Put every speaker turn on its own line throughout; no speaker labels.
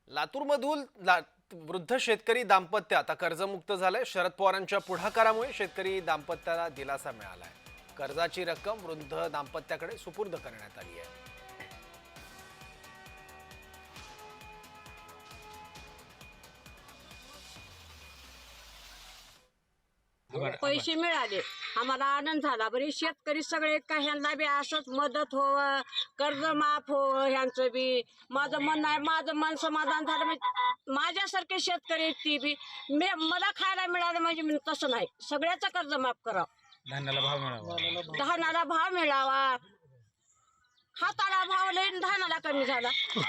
लातूरमधून वृद्ध शेतकरी दाम्पत्य आता कर्जमुक्त झालंय। शरद पवारांच्या पुढाकारामुळे शेतकरी दाम्पत्याला दिलासा मिळालाय। कर्जाची रक्कम वृद्ध दाम्पत्याकडे सुपूर्द करण्यात आली आहे।
पैसे मिळाले, आम्हाला आनंद झाला। बरे शेतकरी सगळे का ह्यांना बी असंच मदत होवं, कर्ज माफ होवं ह्यांचं बी। माझं म्हणणं आहे, माझं मन समाधान झालं म्हणजे माझ्यासारखे शेतकरी ती बी मला खायला मिळालं म्हणजे मी तसं नाही, सगळ्याचं कर्ज माफ करावं,
धान्याला भाव मिळावा,
धानाला भाव मिळावा। हाताला भाव लई धानाला कमी झाला।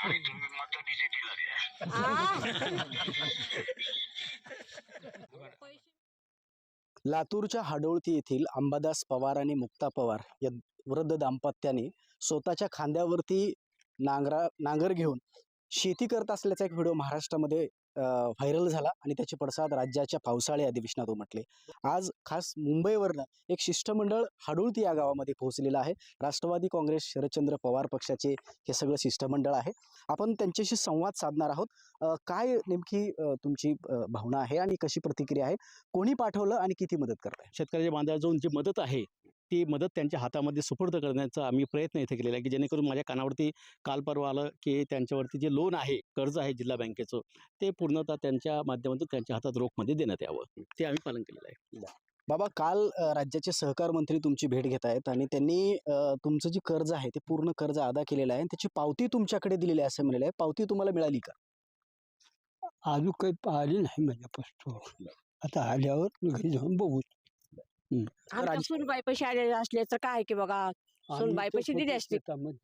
लातूरच्या हाडोळती येथील अंबादास पवार आणि मुक्ता पवार या वृद्ध दाम्पत्याने स्वतःच्या खांद्यावरती नांगर घेऊन शेती करत असल्याचा एक व्हिडिओ महाराष्ट्रामध्ये व्हायरल झाला आणि त्याचे पडसाद राज्याच्या पावसाळी अधिवेशनात उमटले। आज खास मुंबईवरनं एक शिष्टमंडळ हाडोळती या गावामध्ये पोहोचलेलं आहे। राष्ट्रवादी काँग्रेस शरदचंद्र पवार पक्षाचे हे सगळं शिष्टमंडळ आहे। आपण त्यांच्याशी संवाद साधणार आहोत। काय नेमकी तुमची भावना आहे आणि कशी प्रतिक्रिया आहे? कोणी पाठवलं आणि किती मदत करताय?
शेतकऱ्याच्या बांधाला जाऊन जी मदत आहे ती मदत त्यांच्या हातामध्ये सुपूर्द करण्याचा आम्ही प्रयत्न इथे केलेला आहे, की जेणेकरून माझ्या कानावरती काल परवा आलं की त्यांच्यावरती जे लोन आहे, कर्ज आहे जिल्हा बँकेचं, ते पूर्णतः त्यांच्या माध्यमातून त्यांच्या हातात रोखमध्ये देण्यात यावं, ते आम्ही पालन केलेलं आहे।
बाबा, काल राज्याचे सहकार मंत्री तुमची भेट घेत आहेत आणि त्यांनी तुमचं जे कर्ज आहे ते पूर्ण कर्ज अदा केलेलं आहे आणि त्याची पावती तुमच्याकडे दिलेली आहे असं म्हणाले आहे। पावती तुम्हाला मिळाली का?
अजून काही आली नाही माझ्यापासून, आता आल्यावर घरी जाऊन बघू।
आमच्या सुनबाई पैसे आलेले असले तर काय की बघा, सुनबाई पैसे दिले असते,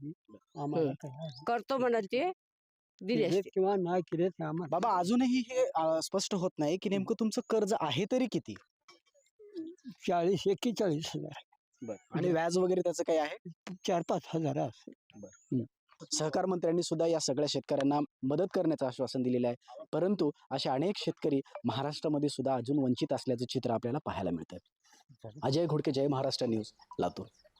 करतो म्हणत ते दिले असते
किंवा नाही केले आम्हाला।
बाबा, अजूनही हे स्पष्ट होत नाही की नेमकं तुमचं कर्ज आहे तरी किती?
40-41,000
आणि व्याज वगैरे त्याचं काही आहे?
4-5 हजार असेल।
सहकार मंत्र्यांनी सुद्धा या सगळ्या शेतकऱ्यांना मदत करण्याचं आश्वासन दिलेलं आहे, परंतु असे अनेक शेतकरी महाराष्ट्रामध्ये सुद्धा अजून वंचित असल्याचं चित्र आपल्याला पाहायला मिळतं। अजय घोडके, जय महाराष्ट्र न्यूज, लातूर।